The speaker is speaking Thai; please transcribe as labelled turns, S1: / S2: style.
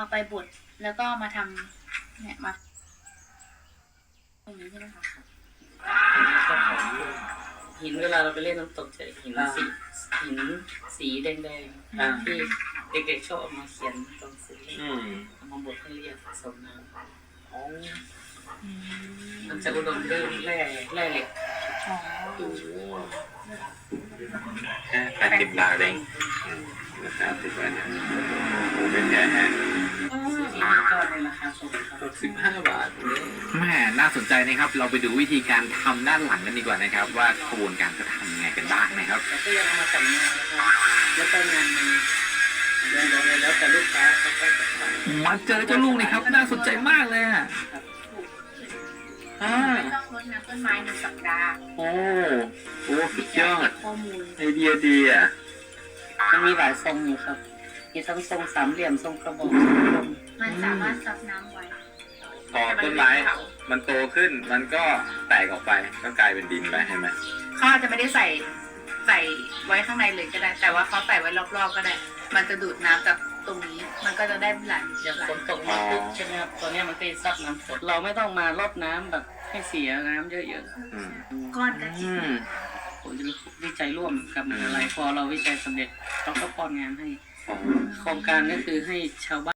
S1: ไปบดแล้วก็มาทำเนี่ยมาตรงนี้ใช่ไหมคะ
S2: หินเวลาเราไปเล่นน้ำตกจะหินสีแดงๆที่เด็กๆชอบเอามาเขียนตรงสีเอามาบดให้เรียกผสมน้ำมันจะอุดมด้วยแร่เหล็ก
S3: แค่80 บาทเองนะครับถือว่าเนี่ยหมูเป็นแท้
S2: ที่นี่ก็ในราคาสูงครับ
S3: 65 บาท
S4: แม่น่าสนใจนะครับเราไปดูวิธีการทำด้านหลังกันดีกว่านะครับว่ากระบวนการเขาทำยังไงกันบ้างนะครับ
S2: แล้วก็ยังเอามาแต่งงานนะครับแล้วก็งานมีเรื่องอะไรแล้วแต่ลูกค้าเขาก็จะทำ
S4: มาเจอเจ้าลูกนี่ครับน่าสนใจมากเลยอ่ะ
S1: ไม่ต้องรดน้ำต้นไม้1 สัปดาห์
S3: โอ้สุดยอด
S1: ข้อมูล
S3: ไอเดียดีอ่ะ
S2: มันมีหลายทรงอยู่ครับมีทั้งทรงสามเหลี่ยมทรงกระบอกทรงกลม
S1: มันสามารถซับน้ำไว้
S3: พอต้นไม้มันโตขึ้นมันก็แตกออกไปก็กลายเป็นดินไปใช่ไหม
S1: เขาอาจจะไม่ได้ใส่ไว้ข้างในเลยก็ได้ แต่ว่าเขาใส่ไว้รอบๆก็ได้ มันจะดูดน้ำจากตรงนี้มันก็จะได้ไหล
S2: อย่างฝนตกมาปุ๊บใช่ไหมครับตัวเนี้ยมันก็จะซับน้ำฝนเราไม่ต้องมารดน้ำแบบให้เสียน้ำเยอะ
S3: อืม
S1: ก้อนกะทิ
S2: ๆผมจะวิจัยร่วมกับมหาลัยพอเราวิจัยสำเร็จเราก็ป้อนงานให้ โครงการก็คือให้ชาวบ้าน